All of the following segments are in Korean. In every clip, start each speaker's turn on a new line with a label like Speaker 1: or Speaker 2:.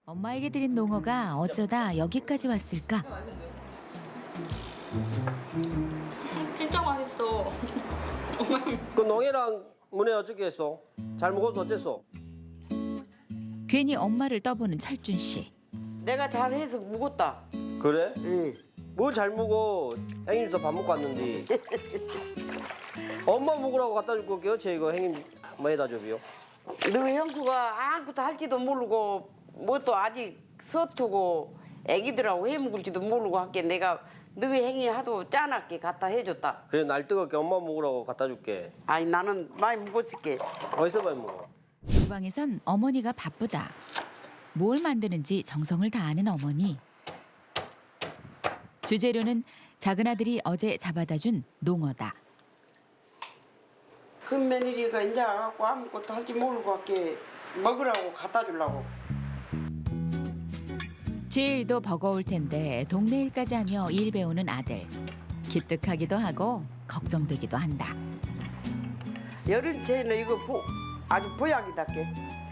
Speaker 1: 엄마에게 드린 농어가 어쩌다 여기까지 왔을까?
Speaker 2: 진짜 맛있어.
Speaker 3: 그 농이랑 문에 어떻게 했어? 잘 먹어서 어땠어?
Speaker 1: 괜히 엄마를 떠보는 철준 씨.
Speaker 4: 내가 잘해서 묵었다.
Speaker 3: 그래?
Speaker 4: 응.
Speaker 3: 뭘 잘 먹어? 행님도 밥 먹고 왔는데. 엄마 먹으라고 갖다 줄 거게요. 제 이거 행님 뭐 해다 줘비요.
Speaker 4: 너 형수가 아무것도 할지도 모르고 뭣도 아직 서투고 애기들하고 해 먹을지도 모르고 할게 내가 너희 행위 하도 짠하게 갖다 해줬다.
Speaker 3: 그래 날 뜨겁게 엄마 먹으라고 갖다 줄게.
Speaker 4: 아니 나는 많이 묵었을게.
Speaker 3: 어디서 많이 먹어?
Speaker 1: 주방에선 어머니가 바쁘다. 뭘 만드는지 정성을 다하는 어머니. 주재료는 작은 아들이 어제 잡아다 준 농어다.
Speaker 4: 큰 며느리가 이제 와갖고 아무것도 할지 모르고 할게 먹으라고 갖다 주려고.
Speaker 1: 제일도 버거울 텐데 동네 일까지 하며 일 배우는 아들. 기특하기도 하고 걱정되기도 한다.
Speaker 4: 여름채는 이거 아주 보약이다께.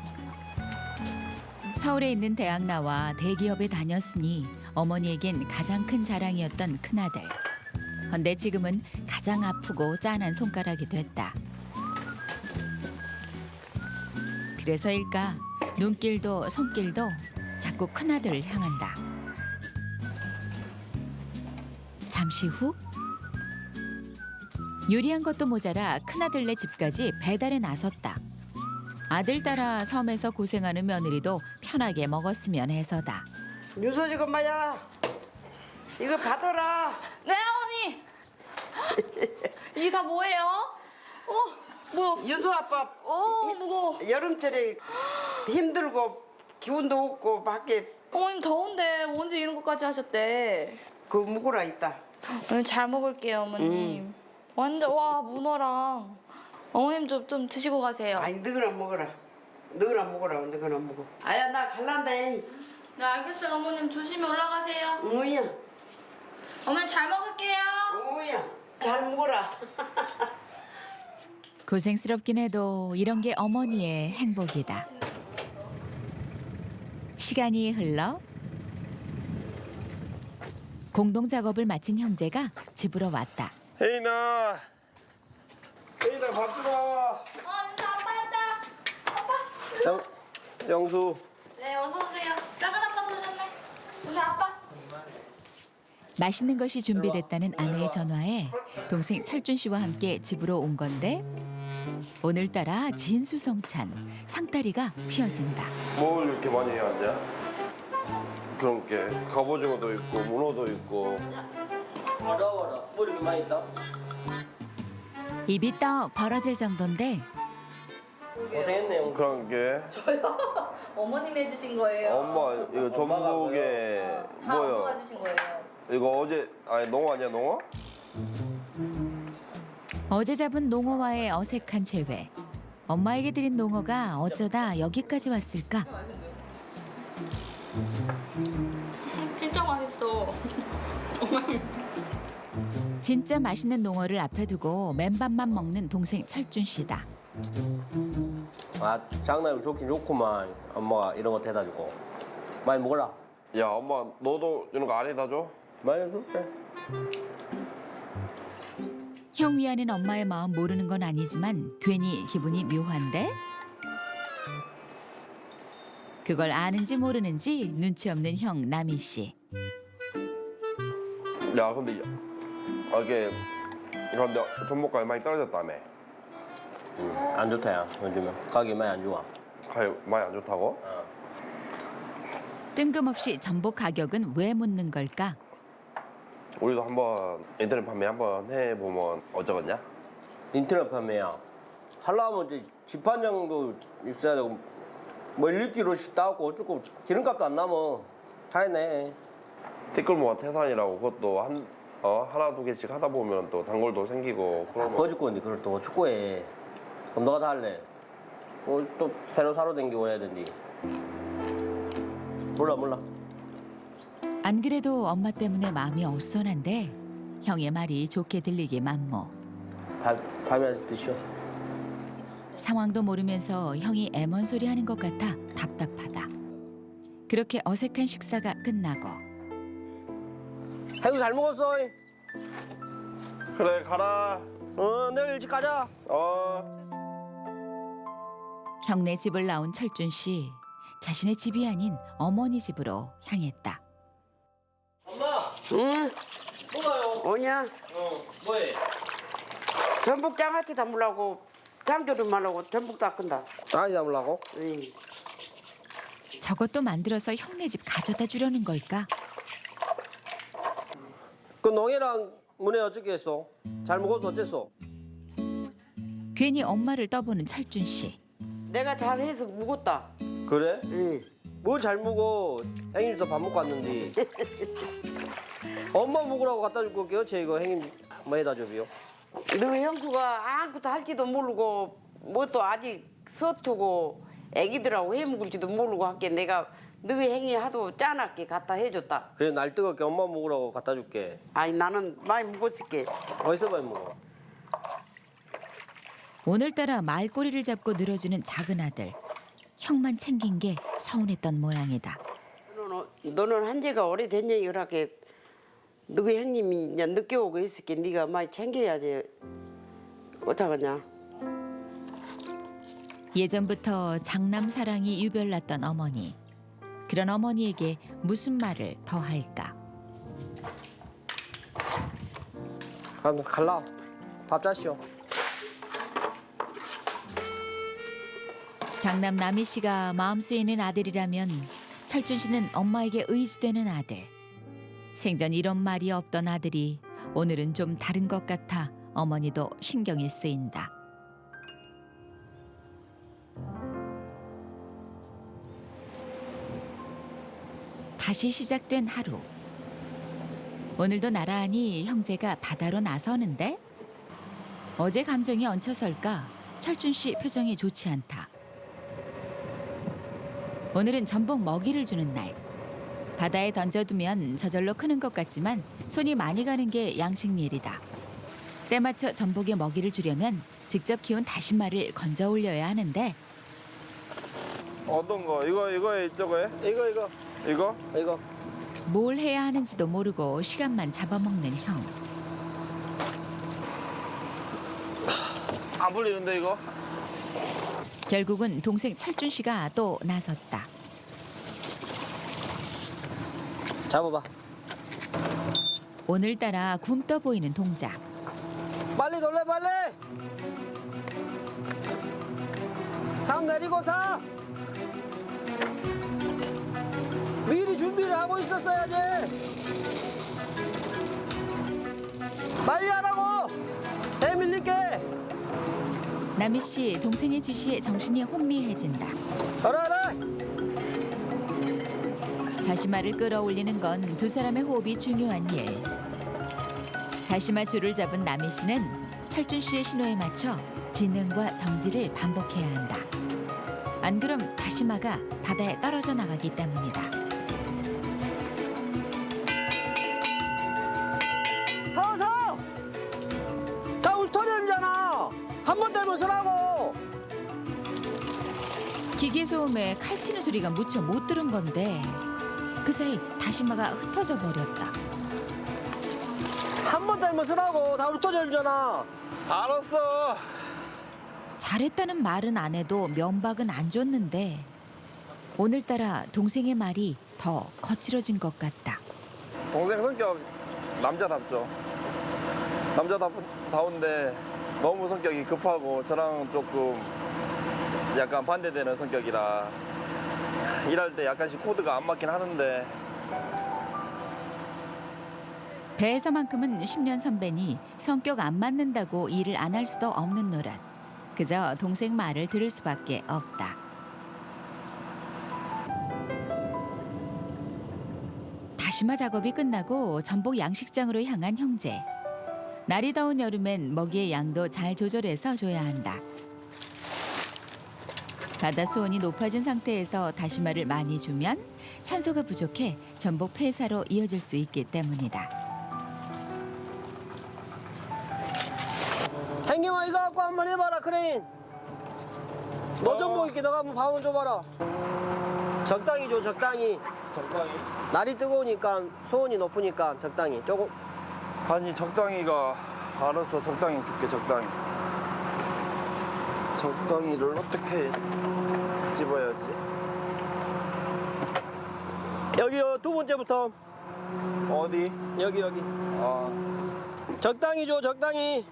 Speaker 1: 서울에 있는 대학 나와 대기업에 다녔으니 어머니에겐 가장 큰 자랑이었던 큰아들. 헌데 지금은 가장 아프고 짠한 손가락이 됐다. 그래서일까 눈길도 손길도 자꾸 큰아들을 향한다. 잠시 후 요리한 것도 모자라 큰아들네 집까지 배달에 나섰다. 아들 따라 섬에서 고생하는 며느리도 편하게 먹었으면 해서다.
Speaker 4: 윤서지 엄마야 이거 받아라.
Speaker 2: 네, 어머니. 이게 다 뭐예요? 뭐?
Speaker 4: 윤서 아빠
Speaker 2: 무거워.
Speaker 4: 여름철에 힘들고 기운도 없고 밖에
Speaker 2: 어머님 더운데 언제 이런 것까지 하셨대?
Speaker 4: 그 묵으라 있다.
Speaker 2: 오늘 잘 먹을게요, 어머님. 완전 와 문어랑 어머님 좀 드시고 가세요.
Speaker 4: 아니 너거나 먹어라. 너거나 먹어라. 너거나 먹어. 아야 나 갈란다.
Speaker 2: 네, 알겠어요, 어머님. 조심히 올라가세요.
Speaker 4: 오야.
Speaker 2: 어머님 잘 먹을게요.
Speaker 4: 오야. 잘 먹어라.
Speaker 1: 고생스럽긴 해도 이런 게 어머니의 행복이다. 시간이 흘러 공동 작업을 마친 형제가 집으로 왔다.
Speaker 3: 혜인아 밥 주라.
Speaker 2: 윤서 아빠 왔다.
Speaker 3: 영수.
Speaker 2: 네, 어서 오세요. 작은 아빠 부르셨네. 윤서 아빠.
Speaker 1: 맛있는 것이 준비됐다는 아내의 전화에 동생 철준 씨와 함께 집으로 온 건데 오늘따라 진수성찬 상다리가 휘어진다.
Speaker 5: 뭘 이렇게 많이 해왔냐? 그런 게 갑오징어도 있고 문어도 있고.
Speaker 3: 와라 뭐 이렇게 많이 있다?
Speaker 1: 입이 떡 벌어질 정도인데
Speaker 3: 고생했네 영수.
Speaker 5: 그런 게
Speaker 2: 어머님이 해주신 거예요.
Speaker 5: 엄마 이거 전복에
Speaker 2: 다 엄마가
Speaker 5: 뭐야?
Speaker 2: 해주신 거예요.
Speaker 5: 이거 어제 아니 농어 아니야 농어?
Speaker 1: 어제 잡은 농어와의 어색한 재회. 엄마에게 드린 농어가 어쩌다 여기까지 왔을까?
Speaker 2: 진짜 맛있어.
Speaker 1: 진짜 맛있는 농어를 앞에 두고 맨밥만 먹는 동생 철준 씨다.
Speaker 3: 아 장난이 좋긴 좋구만. 엄마가 이런 거 대다 주고. 많이 먹어라.
Speaker 5: 야 엄마 너도 이런 거 안 해다 줘?
Speaker 3: 많이 먹을게.
Speaker 1: 형 위하는 엄마의 마음 모르는 건 아니지만 괜히 기분이 묘한데? 그걸 아는지 모르는지 눈치 없는 형 남희 씨.
Speaker 5: 야 근데 이게 그런데 전복가이 많이 떨어졌다며.
Speaker 3: 안 좋다 야 요즘에 가게 많이 안 좋아.
Speaker 5: 가이 많이 안 좋다고?
Speaker 1: 뜬금없이 전복 가격은 왜 묻는 걸까?
Speaker 5: 우리도 한번 인터넷 판매 한번 해보면 어쩌겠냐?
Speaker 3: 인터넷 판매야. 하려면 이제 집판장도 있어야 되고 뭐 1kg씩 따고 어쩌고 기름값도 안 남어. 잘했네.
Speaker 5: 티끌모아 태산이라고 그것도 하나 두 개씩 하다 보면 또 단골도 생기고 그러면
Speaker 3: 버질 건데 그걸 또 축구해. 그럼 너가 다 할래? 또 배로 사러 댕기고 해야 된디. 몰라.
Speaker 1: 안 그래도 엄마 때문에 마음이 어수선한데 형의 말이 좋게 들리기 만무.
Speaker 3: 밥이나 드시오.
Speaker 1: 상황도 모르면서 형이 애먼 소리 하는 것 같아 답답하다. 그렇게 어색한 식사가 끝나고
Speaker 3: 행수 잘 먹었어.
Speaker 5: 그래 가라.
Speaker 3: 내일 일찍 가자.
Speaker 1: 형네 집을 나온 철준 씨, 자신의 집이 아닌 어머니 집으로 향했다.
Speaker 3: 엄마,
Speaker 4: 응?
Speaker 3: 뭐가요?
Speaker 4: 오냐?
Speaker 3: 뭐해?
Speaker 4: 전복 장아찌 담으려고 장조림 하려고 전복 닦은다.
Speaker 3: 아니 담으려고?
Speaker 4: 응.
Speaker 1: 저것도 만들어서 형네 집 가져다 주려는 걸까?
Speaker 3: 그 농이랑 문에 어떻게 했어? 잘 먹어서 어땠어?
Speaker 1: 괜히 엄마를 떠보는 철준 씨.
Speaker 4: 내가 잘해서 묵었다.
Speaker 3: 그래?
Speaker 4: 응.
Speaker 3: 뭘 잘 먹어? 행님도 밥 먹고 왔는데. 엄마 먹으라고 갖다 줄 거게요. 제 이거 행님 뭐 해다 줘비요?
Speaker 4: 너희 형구가 아무것도 할지도 모르고 뭣도 아직 서투고 애기들하고 해 먹을지도 모르고 할게 내가 너희 행위 하도 짠하게 갖다 해줬다.
Speaker 3: 그래 날 뜨겁게 엄마 먹으라고 갖다 줄게.
Speaker 4: 아니 나는 많이 묵었을게.
Speaker 3: 어디서 많이 먹어?
Speaker 1: 오늘따라 말꼬리를 잡고 늘어주는 작은 아들. 형만 챙긴 게 서운했던 모양이다.
Speaker 4: 너는 한 지가 오래됐냐 이렇게 너희 형님이 이제 늦게 오고 있을게 네가 많이 챙겨야지. 어쩌겠냐.
Speaker 1: 예전부터 장남 사랑이 유별났던 어머니. 그런 어머니에게 무슨 말을 더 할까?
Speaker 3: 그럼 갈라. 밥 자시오.
Speaker 1: 장남 남희 씨가 마음 쓰이는 아들이라면 철준 씨는 엄마에게 의지되는 아들. 생전 이런 말이 없던 아들이 오늘은 좀 다른 것 같아 어머니도 신경이 쓰인다. 다시 시작된 하루. 오늘도 나란히 형제가 바다로 나서는데 어제 감정이 얹혀설까 철준 씨 표정이 좋지 않다. 오늘은 전복 먹이를 주는 날. 바다에 던져두면 저절로 크는 것 같지만 손이 많이 가는 게 양식일이다. 때맞춰 전복에 먹이를 주려면 직접 키운 다시마를 건져 올려야 하는데
Speaker 5: 어떤 거? 이거에 저거에?
Speaker 3: 이거.
Speaker 5: 이거?
Speaker 1: 뭘 해야 하는지도 모르고 시간만 잡아먹는 형.
Speaker 5: 안 불리는데 이거?
Speaker 1: 결국은 동생 철준 씨가 또 나섰다.
Speaker 3: 잡아봐.
Speaker 1: 오늘따라 굼떠 보이는 동작.
Speaker 3: 빨리 놀래 빨리. 3 내리고 4. 미리 준비를 하고 있었어야지. 빨리 하라고. 배 밀릴게.
Speaker 1: 남희 씨 동생의 지시에 정신이 혼미해진다.
Speaker 3: 알아.
Speaker 1: 다시마를 끌어올리는 건 두 사람의 호흡이 중요한 일. 다시마 줄을 잡은 남희 씨는 철준 씨의 신호에 맞춰 진행과 정지를 반복해야 한다. 안 그럼 다시마가 바다에 떨어져 나가기 때문이다.
Speaker 3: 서서. 다 울터내잖아. 한 번 떼면 서라고.
Speaker 1: 기계 소음에 칼치는 소리가 무척 못 들은 건데 그 사이 다시마가 흩어져 버렸다.
Speaker 3: 한 번 떼면 서라고. 다 울터내잖아.
Speaker 5: 알았어.
Speaker 1: 잘했다는 말은 안 해도 면박은 안 줬는데 오늘따라 동생의 말이 더 거칠어진 것 같다.
Speaker 5: 동생 성격 남자답죠. 남자다운데 너무 성격이 급하고 저랑 조금 약간 반대되는 성격이라 일할 때 약간씩 코드가 안 맞긴 하는데
Speaker 1: 배에서만큼은 10년 선배니 성격 안 맞는다고 일을 안 할 수도 없는 노릇. 그저 동생 말을 들을 수밖에 없다. 다시마 작업이 끝나고 전복 양식장으로 향한 형제. 날이 더운 여름엔 먹이의 양도 잘 조절해서 줘야 한다. 바다 수온이 높아진 상태에서 다시마를 많이 주면 산소가 부족해 전복 폐사로 이어질 수 있기 때문이다.
Speaker 3: 행님아 이거 갖고 한번 해봐라 크레인. 너 전복 있게 너가 한번 밥 한번 줘봐라. 적당히 줘, 적당히.
Speaker 5: 적당히.
Speaker 3: 날이 뜨거우니까 수온이 높으니까 적당히. 조금.
Speaker 5: 아니 적당히가 알았어. 적당히 줄게. 적당히. 적당히를 어떻게 집어야지?
Speaker 3: 여기요, 두 번째부터.
Speaker 5: 어디?
Speaker 3: 여기.
Speaker 5: 아,
Speaker 3: 적당히 줘, 적당히.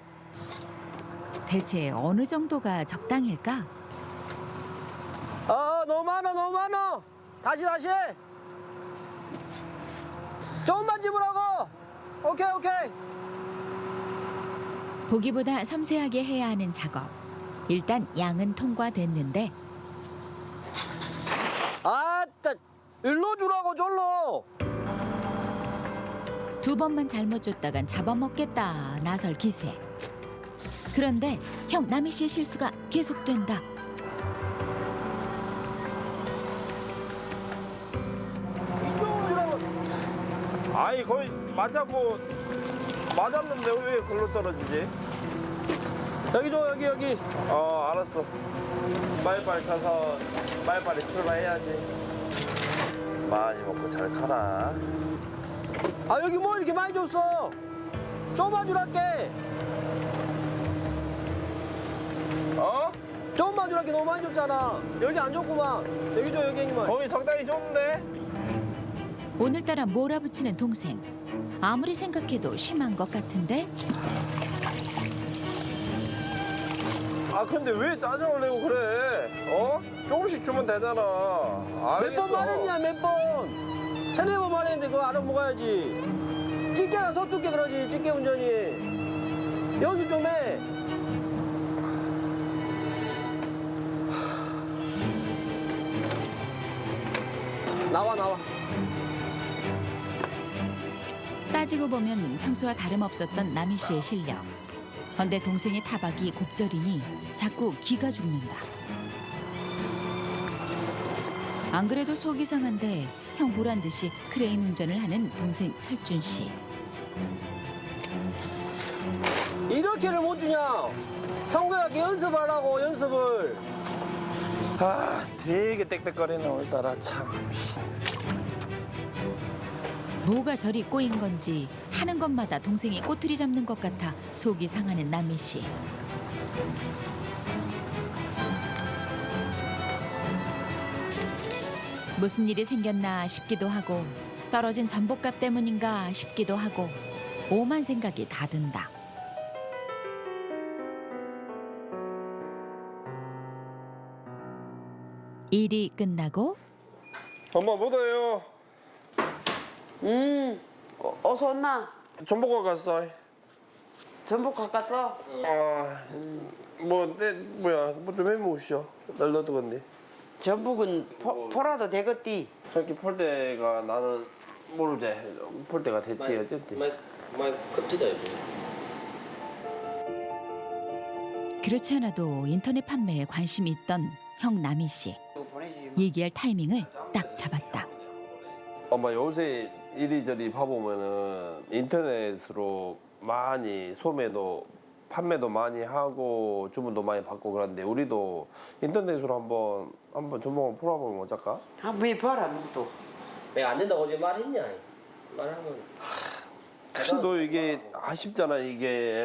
Speaker 1: 대체 어느 정도가 적당일까?
Speaker 3: 너무 많아. 다시. 조금만 집으라고. 오케이.
Speaker 1: 보기보다 섬세하게 해야 하는 작업. 일단 양은 통과됐는데
Speaker 3: 아따, 일로 주라고, 절로.
Speaker 1: 두 번만 잘못 줬다간 잡아먹겠다 나설 기세. 그런데 형 남희 씨의 실수가 계속된다.
Speaker 3: 이쪽으로 주라고.
Speaker 5: 아니 거의 맞았는데 왜 글로 떨어지지?
Speaker 3: 여기 줘, 여기.
Speaker 5: 알았어. 빨리빨리 가서 빨리빨리 출발해야지. 많이 먹고 잘 가라.
Speaker 3: 여기 뭐 이렇게 많이 줬어? 조금만 주랄게.
Speaker 5: 어?
Speaker 3: 조금만 주랄게. 너무 많이 줬잖아. 여기 안 줬구만. 여기 줘, 여기 형님아.
Speaker 5: 거기 적당히 줬는데?
Speaker 1: 오늘따라 몰아붙이는 동생. 아무리 생각해도 심한 것 같은데
Speaker 5: 근데 왜 짜증을 내고 그래? 조금씩 주면 되잖아.
Speaker 3: 몇 번 말했냐, 몇 번. 세네 번 말했는데 그거 알아먹어야지. 찌개가 서툴게 그러지, 찌개 운전이. 연습 좀 해. 나와.
Speaker 1: 따지고 보면 평소와 다름없었던 남희 씨의 실력. 헌데 동생의 타박이 곡절이니 자꾸 기가 죽는다. 안 그래도 속이 상한데 형 보란 듯이 크레인 운전을 하는 동생 철준 씨.
Speaker 3: 이렇게를 못 주냐? 형과 연습하라고, 연습을.
Speaker 5: 되게 땡땡거리네 오늘따라 참.
Speaker 1: 뭐가 저리 꼬인 건지 하는 것마다 동생이 꼬투리 잡는 것 같아 속이 상하는 남희 씨. 무슨 일이 생겼나 싶기도 하고 떨어진 전복값 때문인가 싶기도 하고 오만 생각이 다 든다. 일이 끝나고
Speaker 5: 엄마 뭐다요?
Speaker 4: 어서 왔나?
Speaker 5: 전복과 갔어.
Speaker 4: 전복 가깝어?
Speaker 5: 뭐 좀 해먹으시오. 날 넣어두건데.
Speaker 4: 전복은 포라도 되겠디.
Speaker 5: 저렇게 폴 때가 나는 모르지. 폴 때가 됐지 어쨌든.
Speaker 3: 많이 컵지다, 이거.
Speaker 1: 그렇지 않아도 인터넷 판매에 관심이 있던 형 남희 씨. 얘기할 타이밍을 딱 잡았다.
Speaker 5: 엄마 요새 이리저리 봐보면은 인터넷으로 많이 소매도 판매도 많이 하고 주문도 많이 받고 그런데 우리도 인터넷으로 한번 전복을 풀어보면 어쩔까?
Speaker 4: 한번 해봐라 너도.
Speaker 3: 내가 안 된다고 어제 말했냐? 말하면.
Speaker 5: 그래도 이게 아쉽잖아 이게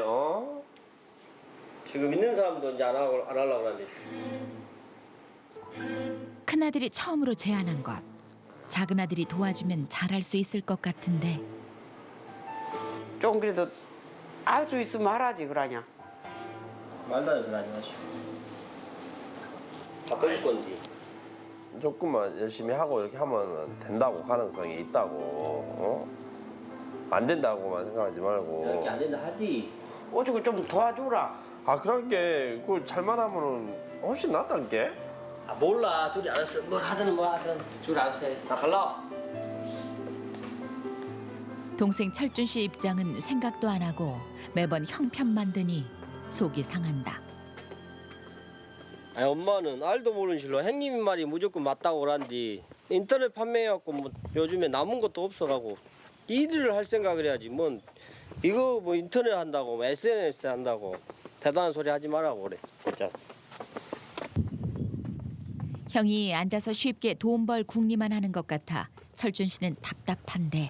Speaker 3: 지금 있는 사람도 이제 안 하려고 그러는데.
Speaker 1: 큰아들이 처음으로 제안한 것. 작은아들이 도와주면 잘할 수 있을 것 같은데
Speaker 4: 좀 그래도 알 수 있으면 하라지 그러냐.
Speaker 3: 말도 안 해서 하지 마시오. 바꿔줄 건데.
Speaker 5: 조금만 열심히 하고 이렇게 하면 된다고 가능성이 있다고 안 된다고만 생각하지 말고
Speaker 3: 이렇게 안 된다 하디.
Speaker 4: 어쩌고 좀 도와주라.
Speaker 5: 그런 게 그걸 잘만 하면은 훨씬 낫다는 게.
Speaker 3: 몰라. 둘이 알았어. 뭘 하든 뭐 하든 둘이 알았어. 나 갈라.
Speaker 1: 동생 철준 씨 입장은 생각도 안 하고 매번 형편만 드니 속이 상한다.
Speaker 3: 아니 엄마는 알도 모르는 실로 형님 말이 무조건 맞다고 그러는데 인터넷 판매해갖고 뭐 요즘에 남은 것도 없어가고 일을 할 생각을 해야지 뭔 이거 뭐 인터넷 한다고 뭐 SNS 한다고 대단한 소리 하지 말라고 그래 진짜.
Speaker 1: 형이 앉아서 쉽게 돈 벌 궁리만 하는 것 같아 철준 씨는 답답한데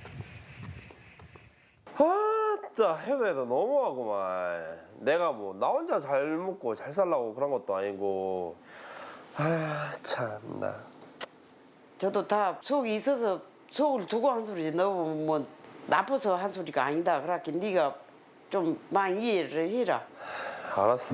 Speaker 5: 아따 해도 해도 너무하구만. 내가 뭐 나 혼자 잘 먹고 잘 살라고 그런 것도 아니고. 아 참나.
Speaker 4: 저도 다 속이 있어서 속을 두고 한 소리지 너무 뭐 나빠서 한 소리가 아니다. 그렇게 네가 좀 많이 이해를 해라.
Speaker 5: 알았어.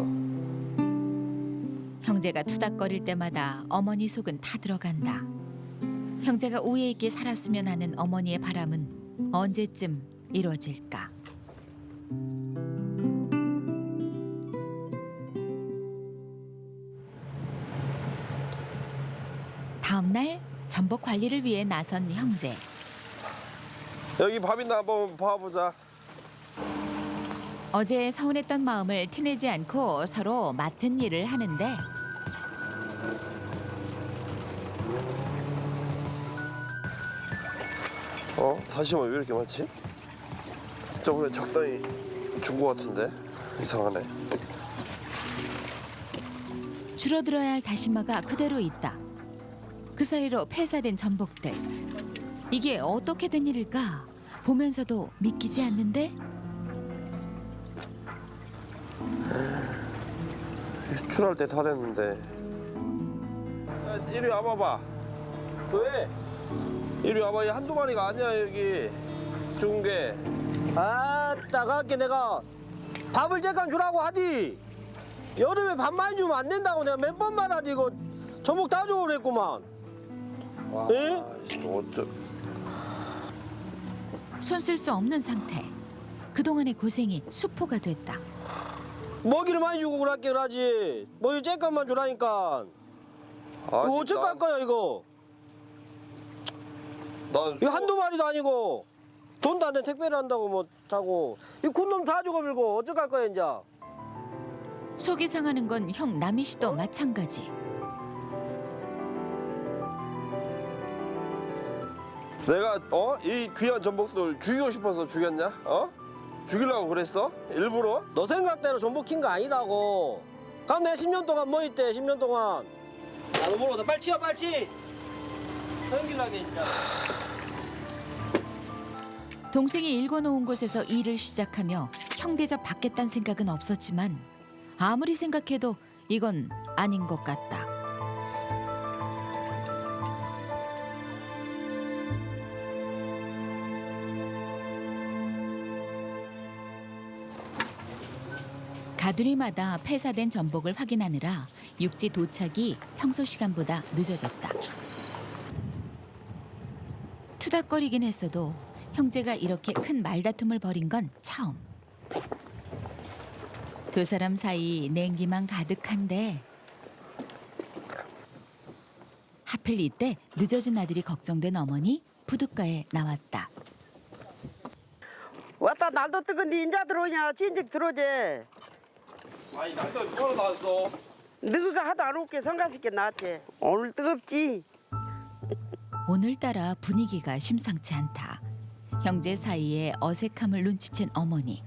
Speaker 1: 형제가 투닥거릴 때마다 어머니 속은 타들어간다. 형제가 우애 있게 살았으면 하는 어머니의 바람은 언제쯤 이루어질까? 다음 날 전복 관리를 위해 나선 형제.
Speaker 5: 여기 밥 있나 한번 봐보자.
Speaker 1: 어제 서운했던 마음을 티내지 않고 서로 맡은 일을 하는데
Speaker 5: 다시마 왜 이렇게 많지? 저번에 적당히 준 거 같은데 이상하네.
Speaker 1: 줄어들어야 할 다시마가 그대로 있다. 그 사이로 폐사된 전복들. 이게 어떻게 된 일일까? 보면서도 믿기지 않는데
Speaker 5: 출할 때 다 됐는데. 이리 와봐봐.
Speaker 3: 왜?
Speaker 5: 이리 와봐. 이 한두 마리가 아니야 여기 죽은 게.
Speaker 3: 따갑게 내가 밥을 잠깐 주라고 하디. 여름에 밥 많이 주면 안 된다고 내가 몇 번 말하디. 이거 전복 다 주고 그랬구만.
Speaker 5: 와,
Speaker 3: 에?
Speaker 5: 어쩌.
Speaker 1: 손 쓸 수 없는 상태. 그동안의 고생이 수포가 됐다.
Speaker 3: 먹이를 많이 주고 그랬게 그러지. 먹이 쬐깐만 주라니까. 이거 어쩔 거야 이거.
Speaker 5: 난
Speaker 3: 이거 한두 마리도 아니고 돈도 안 돼 택배를 한다고 뭐 자고 이 군놈 다 죽어밀고 어쩔 거야 이제.
Speaker 1: 속이 상하는 건 형 남희 씨도 마찬가지.
Speaker 5: 내가 이 귀한 전복들 죽이고 싶어서 죽였냐? 죽이려고 그랬어? 일부러?
Speaker 3: 너 생각대로 전복 킨 거 아니다고. 그럼 내가 10년 동안 뭐 있대 10년 동안. 나도 모르겠다. 빨리 치워 빨리 치. 성길나게 진짜.
Speaker 1: 동생이 일궈놓은 곳에서 일을 시작하며 형 대접 받겠다는 생각은 없었지만 아무리 생각해도 이건 아닌 것 같다. 가두리마다 폐사된 전복을 확인하느라 육지 도착이 평소 시간보다 늦어졌다. 투닥거리긴 했어도 형제가 이렇게 큰 말다툼을 벌인 건 처음. 두 사람 사이 냉기만 가득한데 하필 이때 늦어진 아들이 걱정된 어머니 부둣가에 나왔다.
Speaker 4: 왔다 날도 뜨거운데 인자 들어오냐 진즉 들어오지.
Speaker 5: 아니 날짜 누가 나왔어?
Speaker 4: 너가 하도 안 올게 성가시게 나왔지. 오늘 뜨겁지.
Speaker 1: 오늘따라 분위기가 심상치 않다. 형제 사이에 어색함을 눈치챈 어머니.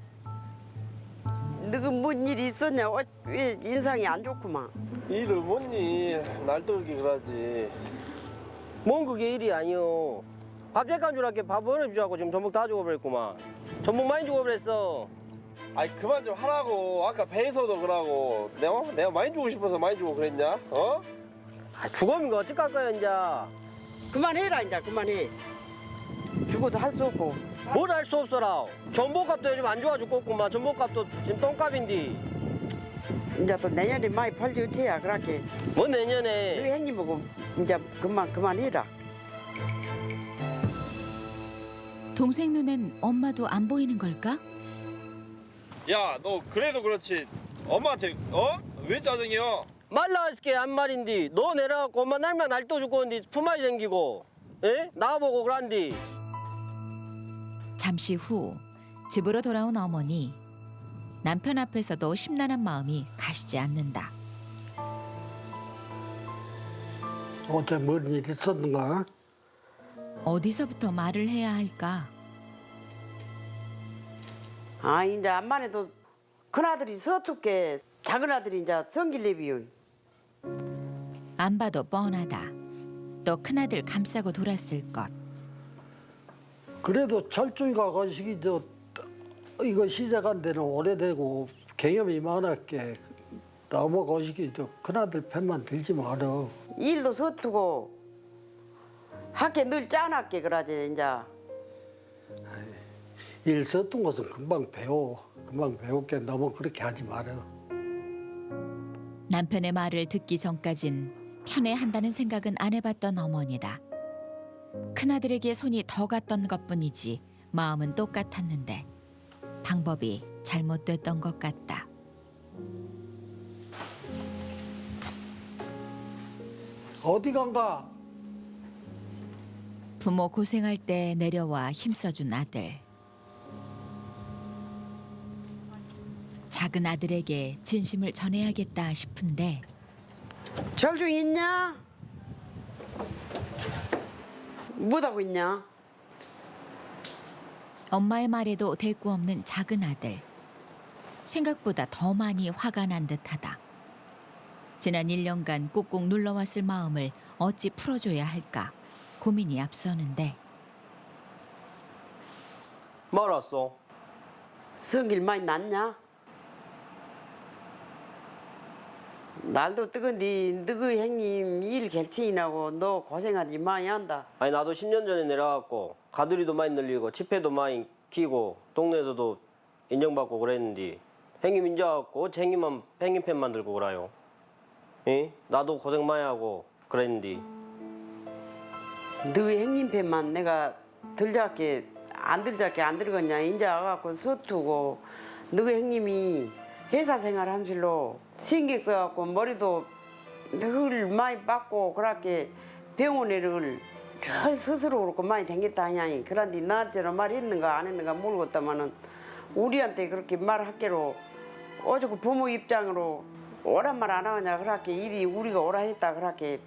Speaker 4: 너가 뭔 일이 있었냐? 왜 인상이 안 좋구만.
Speaker 5: 일을 뭐니? 날 뜨겁게 그러지.
Speaker 3: 뭔 그게 일이 아니오. 밥 잠깐 주라게 밥 보내주자고 지금 전복 다 죽어버렸구만. 전복 많이 죽어버렸어.
Speaker 5: 아이 그만 좀 하라고. 아까 배에서도 그러고. 내가 많이 주고 싶어서 많이 주고 그랬냐?
Speaker 3: 죽으면 거 어쩔 거야 이제.
Speaker 4: 그만해라 이제 그만해. 죽어도 할 수 없고.
Speaker 3: 뭘 할 수 없어라. 전복값도 요즘 안 좋아 죽겠구만. 전복값도 지금 똥값인데.
Speaker 4: 이제 또 내년에 많이 팔지 어째야 그렇게.
Speaker 3: 뭐
Speaker 4: 너희
Speaker 3: 내년에.
Speaker 4: 형님하고 이제 그만해라.
Speaker 1: 동생 눈엔 엄마도 안 보이는 걸까?
Speaker 5: 야, 너 그래도 그렇지. 엄마한테 왜 짜증이야?
Speaker 3: 말라스게 한 말인데 너 내려갖고 엄마 날만 날도 죽고 있는데 품앗이 생기고 에? 나보고 그란디.
Speaker 1: 잠시 후 집으로 돌아온 어머니. 남편 앞에서도 심란한 마음이 가시지 않는다.
Speaker 6: 어째 뭔 일이 있었는가?
Speaker 1: 어디서부터 말을 해야 할까?
Speaker 4: 아 이제 암만해도 큰 아들이 서툴게 작은 아들이 이제 성길래비요.
Speaker 1: 안 봐도 뻔하다. 또 큰아들 감싸고 돌았을 것.
Speaker 6: 그래도 철중이가 거시기 이거 시작한 데는 오래되고 경험이 많았게 너무 거시기 큰아들 편만 들지 마라.
Speaker 4: 일도 서투고 학교 늘 짠하게 그러지 이제.
Speaker 6: 일 썼던 것은 금방 배웠게 너무 그렇게 하지 마라.
Speaker 1: 남편의 말을 듣기 전까진 편애한다는 생각은 안 해봤던 어머니다. 큰아들에게 손이 더 갔던 것뿐이지 마음은 똑같았는데 방법이 잘못됐던 것 같다.
Speaker 6: 어디 간가?
Speaker 1: 부모 고생할 때 내려와 힘써준 아들. 작은 아들에게 진심을 전해야겠다 싶은데
Speaker 4: 절중 있냐? 뭐하고 있냐?
Speaker 1: 엄마의 말에도 대꾸 없는 작은 아들. 생각보다 더 많이 화가 난 듯하다. 지난 1년간 꾹꾹 눌러왔을 마음을 어찌 풀어줘야 할까 고민이 앞서는데
Speaker 3: 말았어.
Speaker 4: 성질 많이 났냐? 날도 뜨거운데 너희 형님 일 결정이 나고 너 고생하지 많이 한다.
Speaker 3: 아니 나도 10년 전에 내려갔고 가두리도 많이 늘리고 치패도 많이 키고 동네에서도 인정받고 그랬는데 행님 인정하고 행님만 행님팬만 들고 그래요. 예? 나도 고생 많이 하고 그랬는데
Speaker 4: 너희 형님 편만 내가 들잡게 안 들겠냐. 인제 와갖고 서투고 너희 형님이 회사 생활 함실로 신경 써갖고 머리도 늘 많이 빡고 그렇게 병원에를 늘 스스로 그렇고 많이 댕겼다 하냐니. 그런데 나한테는 말했는가 안 했는가 모르겠다마는 우리한테 그렇게 말할게로 어저께 부모 입장으로 오란 말 안 하냐 그렇게 일이 우리가 오라 했다 그렇게.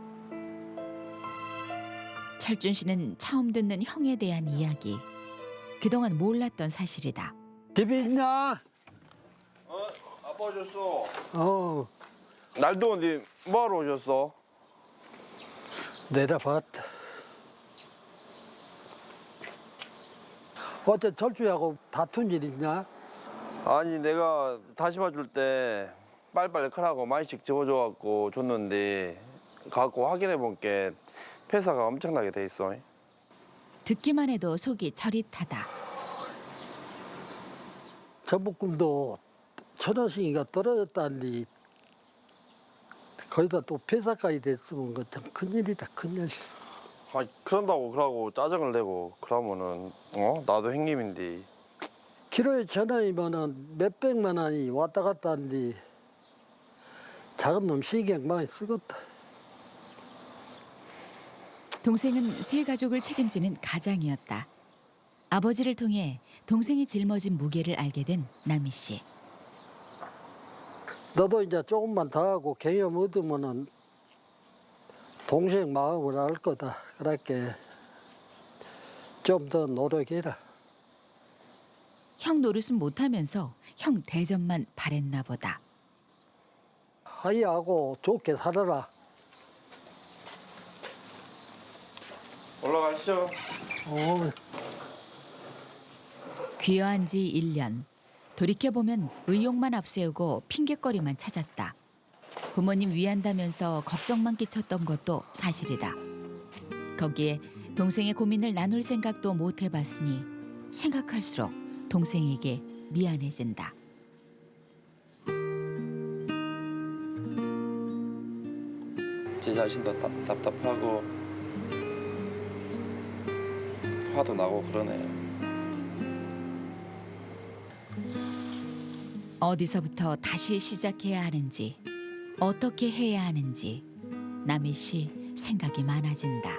Speaker 1: 철준 씨는 처음 듣는 형에 대한 이야기. 그동안 몰랐던 사실이다.
Speaker 6: 집에 있냐?
Speaker 5: 아빠 오셨어.
Speaker 6: 어,
Speaker 5: 날 더운데 뭐하러 오셨어?
Speaker 6: 내려봤다. 어째 철주하고 다툰 일 있냐?
Speaker 5: 아니 내가 다시마 줄 때 빨리빨리 크라고 많이씩 집어줘갖고 줬는데 갖고 확인해 본 게 폐사가 엄청나게 돼 있어.
Speaker 1: 듣기만 해도 속이 저릿하다.
Speaker 6: 전복금도 1,000원씩이가 떨어졌다니 거기다 또 폐사까지 됐으면 그 참 큰일이다 큰일.
Speaker 5: 아 그런다고 그러고 짜증을 내고 그러면은 나도 형님인데.
Speaker 6: 키로에 1,000원이면은 몇백만 원이 왔다 갔다 하는데 작은 놈 신경 많이 쓰겠다.
Speaker 1: 동생은 세 가족을 책임지는 가장이었다. 아버지를 통해 동생이 짊어진 무게를 알게 된 남희 씨.
Speaker 6: 너도 이제 조금만 더 하고 경험 얻으면은 동생 마음을 알 거다. 그렇게 좀 더 노력해라.
Speaker 1: 형 노릇은 못하면서 형 대접만 바랬나 보다.
Speaker 6: 하이하고 좋게 살아라.
Speaker 5: 올라가시죠.
Speaker 6: 어.
Speaker 1: 귀화한 지 1년. 돌이켜보면 의욕만 앞세우고 핑곗거리만 찾았다. 부모님 위한다면서 걱정만 끼쳤던 것도 사실이다. 거기에 동생의 고민을 나눌 생각도 못 해봤으니 생각할수록 동생에게 미안해진다.
Speaker 5: 제 자신도 답답하고 화도 나고 그러네요.
Speaker 1: 어디서부터 다시 시작해야 하는지, 어떻게 해야 하는지 남희 씨 생각이 많아진다.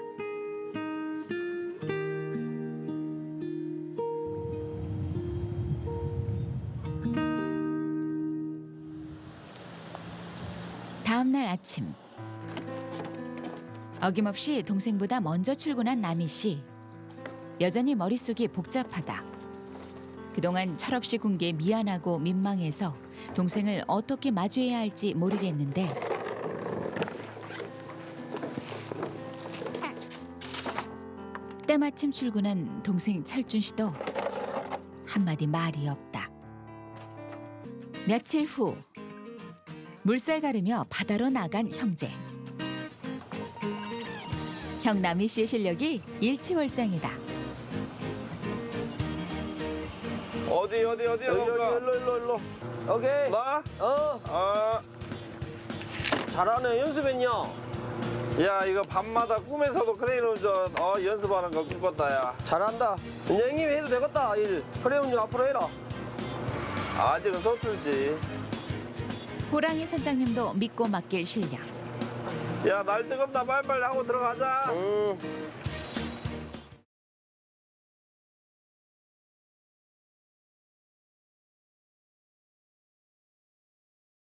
Speaker 1: 다음 날 아침. 어김없이 동생보다 먼저 출근한 남희 씨. 여전히 머릿속이 복잡하다. 그동안 철없이 군 게 미안하고 민망해서 동생을 어떻게 마주해야 할지 모르겠는데 때마침 출근한 동생 철준 씨도 한마디 말이 없다. 며칠 후 물살 가르며 바다로 나간 형제. 형 남희 씨의 실력이 일치월장이다.
Speaker 5: 어디
Speaker 3: 여기 일로. 오케이.
Speaker 5: 나?
Speaker 3: 어. 잘하네. 연습했냐?
Speaker 5: 야 이거 밤마다 꿈에서도 크레인 운전 연습하는 거 꿈꿨다 야.
Speaker 3: 잘한다. 이제 형님이 해도 되겠다. 일. 그래 운전 앞으로 해라.
Speaker 5: 아직은 서툴지.
Speaker 1: 호랑이 선장님도 믿고 맡길 실력.
Speaker 5: 야 날 뜨겁다 빨리빨리 하고 들어가자.
Speaker 3: 응.